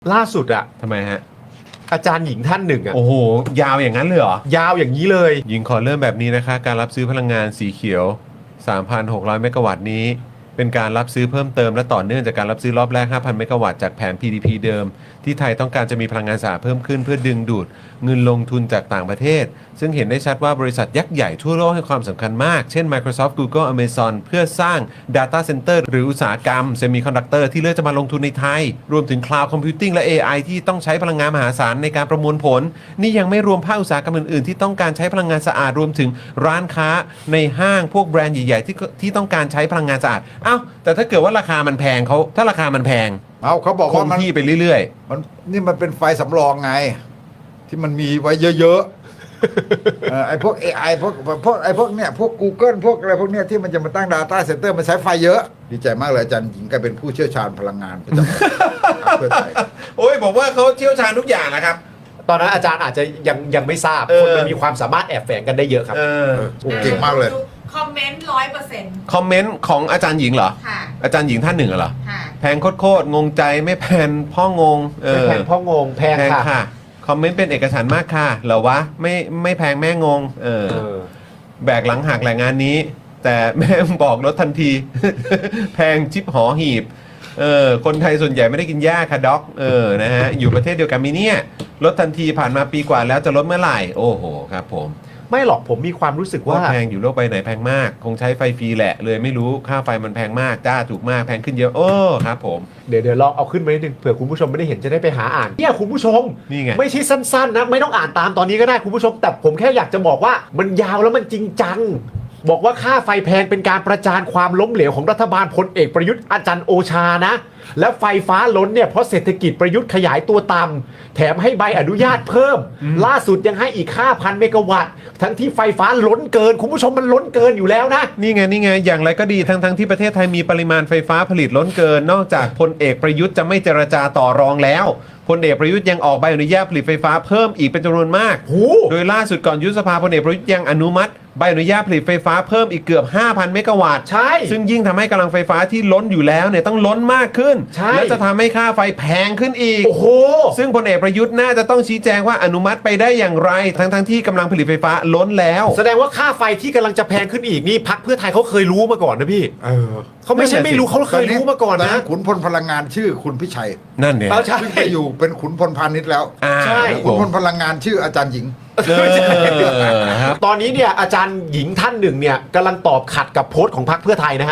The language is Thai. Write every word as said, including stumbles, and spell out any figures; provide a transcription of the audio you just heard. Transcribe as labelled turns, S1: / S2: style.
S1: ล่าสุดอะ
S2: ทำไมฮะ
S1: อาจารย์หญิงท่านหนึ่งอะ
S2: โอ้โหยาวอย่างนั้นเลยเหรอย
S1: าวอย่างนี้เลย
S2: หญิงขอเริ่มแบบนี้นะคะการรับซื้อพลังงานสีเขียว สามพันหกร้อย เมกะวัตต์นี้เป็นการรับซื้อเพิ่มเติมและต่อเนื่องจากการรับซื้อรอบแรก ห้าพัน เมกะวัตต์จากแผน พี ดี พี เดิมที่ไทยต้องการจะมีพลังงานสะอาดเพิ่มขึ้นเพื่อดึงดูดเงินลงทุนจากต่างประเทศซึ่งเห็นได้ชัดว่าบริษัทยักษ์ใหญ่ทั่วโลกให้ความสำคัญมากเช่น Microsoft Google Amazon เพื่อสร้าง Data Center หรืออุตสาหกรรม Semiconductor ที่เลือกจะมาลงทุนในไทยรวมถึง Cloud Computing และ เอ ไอ ที่ต้องใช้พลังงานมหาศาลในการประมวลผลนี่ยังไม่รวมภาคอุตสาหกรรมอื่นๆที่ต้องการใช้พลังงานสะอาดรวมถึงร้านค้าในห้างพวกแบรนด์ใหญ่ๆที่ที่ต้องการใช้พลังงานสะอาดอ้าวแต่ถ้าเกิดว่าราคามันแพงเขาถ้าราคามันแพง
S3: เอาเขาบอก
S2: ค
S3: ว่าง มัน
S2: ที่ไปเรื่อย
S3: มันนี่มันเป็นไฟสำรองไง ที่มันมีไว้เยอะๆ เออไอ้พวก เอ ไอ พวกพวกไอ้พวกเนี้ยพวก Google พวกอะไรพวกเนี้ยที่มันจะมาตั้ง Data Center มันใช้ไฟเยอะ ดีใจมากเลยอาจารย์หญิงกลายเป็นผู้เชี่ยวชาญพลังงานประจำพรรคเพื่อไทย
S2: ๆ โอ้ยบอกว่าเขาเชี่ยวชาญทุกอย่างนะครับ
S1: ตอนนั้นอาจารย์อาจจะยังยังไม่ทราบ
S2: เออ
S1: คนมันมีความสามารถแอบแฝงกันได้เยอะครับ
S2: เออ
S3: เออโอ้เก่งมากเลย
S4: คอมเมนต์ร้อยเปอร์เซ็นต์
S2: คอมเมนต์ของอาจารย์หญิงเหรอ
S4: ค่ะ
S2: อาจารย์หญิงท่านหนึ่งเหรอ
S4: ค่ะ
S2: แพงโคตรๆงงใจไม่แพงพ่องงเอ
S1: ไม่
S2: อ
S1: แพงพ่องงแพง
S2: แพง
S1: ค่ะ
S2: ค่ะคอมเมนต์เป็นเอกฉันท์มากค่ะเหรอวะไม่ไม่แพงแม่งงเออ
S1: เออ
S2: แบกหลังหักแหล่งงานนี้ แต่แม่งบอกลดทันที แพงชิปหอหีบเออคนไทยส่วนใหญ่ไม่ได้กินหญ้าค่ะด็อกเออนะฮะอยู่ประเทศเดียวกันมีเนี่ยลดทันทีผ่านมาปีกว่าแล้วจะลดเมื่อไหร่โอ้โหครับผม
S1: ไม่หรอกผมมีความรู้สึก
S2: ว่า
S1: ว่า
S2: แพงอยู่โลกใบไหนแพงมาก คงใช้ไฟฟรีแหละเลยไม่รู้ค่าไฟมันแพงมากจ้าถูกมากแพงขึ้นเยอะโอ้ครับผม
S1: เดี๋ยวเดี๋ยวลองเอาขึ้นมานิดนึงเผื่อคุณผู้ชมไม่ได้เห็นจะได้ไปหาอ่านเนี่ยคุณผู้ชม
S2: นี่ไง
S1: ไม่ใช่สั้นๆนะไม่ต้องอ่านตามตอนนี้ก็ได้คุณผู้ชม แต่ผมแค่อยากจะบอกว่ามันยาวแล้วมันจริงจัง บอกว่าค่าไฟแพงเป็นการประจานความล้มเหลวของรัฐบาลพลเอกประยุทธ์อาจารย์โอชานะ และไฟฟ้าล้นเนี่ยเพราะเศรษฐกิจประยุทธ์ขยายตัวต่ำแถมให้ใบอนุญาตเพิ่ม ล่าสุดยังให้อีก ห้าพัน เมกะวัตต์ทั้งที่ไฟฟ้าล้นเกิน คุณผู้ชมมันล้นเกินอยู่แล้วนะ
S2: นี่ไงนี่ไงอย่างไรก็ดีทั้งทั้งที่ประเทศไทยมีปริมาณไฟฟ้าผลิตล้นเกิน นอกจากพลเอกประยุทธ์จะไม่เจรจาต่อรองแล้วพลเอกประยุทธ์ยังออกใบอนุญาตผลิตไฟฟ้าเพิ่มอีกเป็นจำนวนมาก
S1: โอ้
S2: โดยล่าสุดก่อนยุบสภาพลเอกประยุทธ์ยังอนุมัติใบอนุญาตผลิตไฟฟ้าเพิ่มอีกเกือบ ห้าพัน เมกะวัตต์
S1: ใช่
S2: ซึ่งยิ่งทำให้กำลังไฟฟ้าที่ล้นอยู่แล้วเนี่ยต้องล้นมากขึ้น
S1: ใช่
S2: และจะทำให้ค่าไฟแพงขึ้นอีก
S1: โอ้โห
S2: ซึ่งพลเอกประยุทธ์น่าจะต้องชี้แจงว่าอนุมัติไปได้อย่างไร ทั้งทั้งที่กำลังผลิตไฟฟ้าล้นแล้ว
S1: แสดงว่าค่าไฟที่กำลังจะแพงขึ้นอีกนี่พรรคเพื่อไทยเขาเคยรู้มาก่อนนะพี่
S3: เออ
S1: เขาไม่ใช่ไม่รู้เขาเคยรู้มาก่อนนะ
S3: ขุนพลพลังงานชื่อคุณพิชัย
S2: นั่นเนี่ย
S1: เอาใช่
S3: ซึ่งไปอยู่เป็นขุนพลพาณิชย์แล้ว
S2: อ่า
S1: ใช่
S2: ครับ
S3: ขุน
S2: ผ
S3: พ
S2: ม
S3: ลพลังงานชื่ออาจารย์หญิง
S2: เออครับ
S1: ตอนนี้เนี่ยอาจารย์หญิงท่านหนึ่งเนี่ยกำลังตอบขัดกับโพสต์ของพรรคเพื่อไทยนะฮะ